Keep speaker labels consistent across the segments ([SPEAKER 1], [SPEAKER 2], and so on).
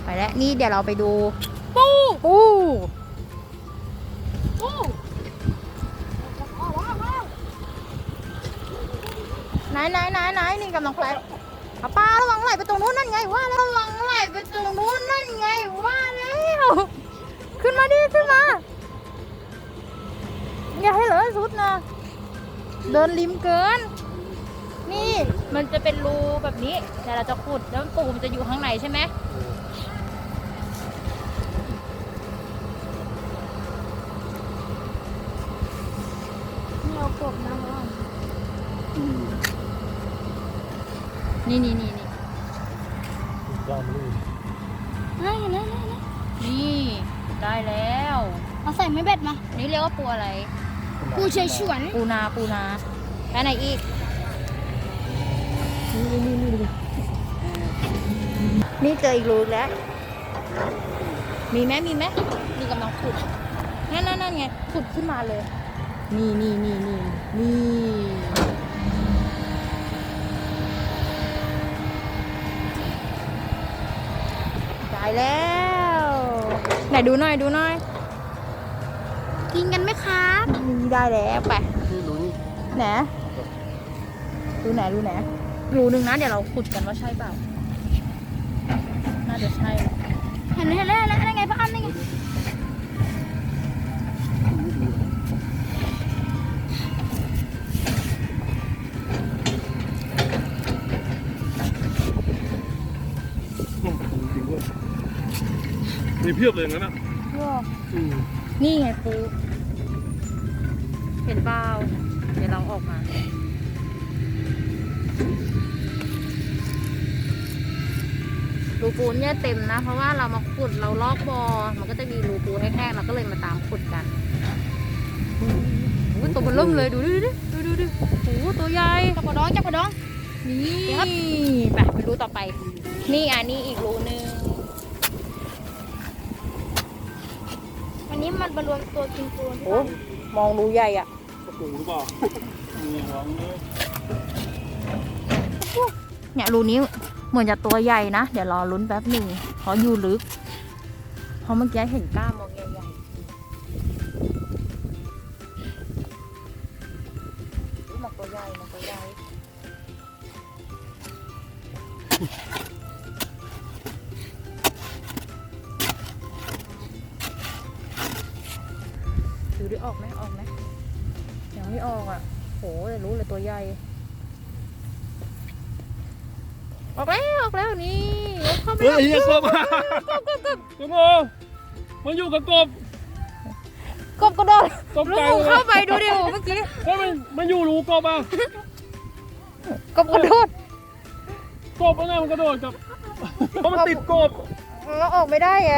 [SPEAKER 1] ไปแล้วนี่เดี๋ยวเราไปดูปู ไหนนี่กำลังไปเอาปลาระวังไหลไปตรงนู้นนั่นไงว่าแล้วระวังไหลไปตรงนู้นนั่นไงว่าแล้วขึ้นมาดิขึ้นมาอย่าให้เหลือสุดนะเดินริมเกินนี่มันจะเป็นรูแบบนี้เดี๋ยวเราจะขุดแล้วปูมันจะอยู่ข้างในใช่ไหมนี่เอากบนะพ่อนี่
[SPEAKER 2] ยอมเลย
[SPEAKER 1] นี่ได้แล้ว
[SPEAKER 3] เอาใส่ไม่เบ็ดมา
[SPEAKER 1] นี่เรียกว่าปูอะไร
[SPEAKER 3] ปูเฉยฉวน
[SPEAKER 1] ปูนาแค่ไหนอีกนี่เจออีกรูแล้วมีไหมนี่กำลังขุดนั่นไงขุดขึ้นมาเลยนี่ได้แล้วไหนดูหน่อย
[SPEAKER 3] กินกันไหมครับ
[SPEAKER 1] นี่ได้แล้วไปไหนดูไหนรูหนึ่งนะเดี๋ยวเราขุดกันว่าใช่เปล่าน่าจะใช่
[SPEAKER 3] เห็นแล้วได้ไงพ่ออ้ำได้ไง
[SPEAKER 2] มีเพียบเลยงั้นอ่ะ
[SPEAKER 1] นี่ไงปูเห็นเปล่าเดี๋ยวเราออกมารูปูเนี่ยเต็มนะเพราะว่าเรามาขุดเราลอกบ่อมันก็จะมีรูปูแห้งๆเราก็เลยมาตามขุดกันตัวมันเริ่มเลยดูโอ้ตัวใหญ่
[SPEAKER 3] จับกระดอง
[SPEAKER 1] นี่ไปรูต่อไปนี่นี่อีกรูนึง
[SPEAKER 3] วันนี้มันมารวมตัวกินปูน
[SPEAKER 1] โอ้มองรูใหญ่อ่ะ
[SPEAKER 2] ปูหรือเปล่า
[SPEAKER 1] เนี่ยรูนี้เหมือนจะตัวใหญ่นะเดี๋ยวรอลุ้นแป๊บหนึ่งเพราะอยู่ลึกเพราะเมื่อกี้เห็นก้ามมองใหญ่ๆมันตัวใหญ่ดูดิออกไหมยังไม่ออกอ่ะโหแต่รู้เลยตัวใหญ่ออกแล้วนี่เข้าไปแล้ว
[SPEAKER 2] กบมันอยู่กับกบ
[SPEAKER 1] กระโดดลูกเข้าไปดูดิโหเมื่อกี้
[SPEAKER 2] มันอยู่รูกบอ่ะ
[SPEAKER 1] กระโดด
[SPEAKER 2] อะไรมันกระโดดกับเพราะมันติดกบ
[SPEAKER 1] แล้วออกไม่ได้ไง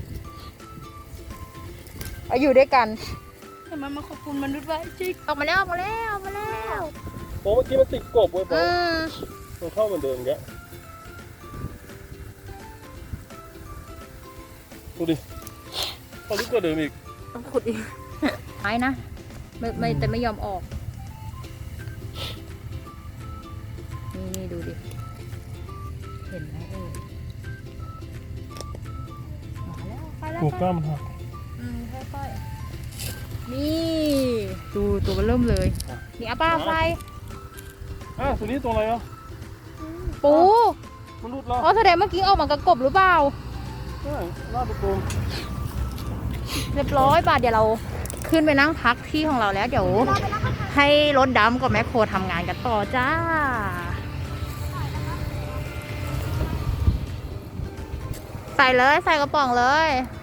[SPEAKER 1] อยู่ด้วยกัน
[SPEAKER 3] แต่มันมาขอบคุณมนุษย์ไว้จิ๊ก
[SPEAKER 1] ออกมาแล้ว
[SPEAKER 2] โอ้เมื่อกี้มันติดกบเว้ยปะมันเข้าเหมือนเดิมแกดูดิพอลึกกว่าเดิมอีก
[SPEAKER 1] ต้องขุดอีกไม้นะไม่แต่ไม่ยอมออกนี่ดูดิเห็นไหมมาแล้วไปแล้ว
[SPEAKER 2] ถูกก้ามหัก
[SPEAKER 1] ค่อยๆนี่ดูตัวมันเริ่มเลยนี่ป้าไฟ
[SPEAKER 2] ตัวนี้ตัวอะไรอ่ะ
[SPEAKER 1] ปู
[SPEAKER 2] มันรุดแล้ว
[SPEAKER 1] แสดงเมื่อกี้ออกมากระกบหรือเปล่า
[SPEAKER 2] ใช่ลาดปู
[SPEAKER 1] เรียบร้อยป่ะเดี๋ยวเราขึ้นไปนั่งพักที่ของเราแล้วเดี๋ยวให้รถดำกับแมคโครทำงานกันต่อจ้าใส่กระป๋องเลย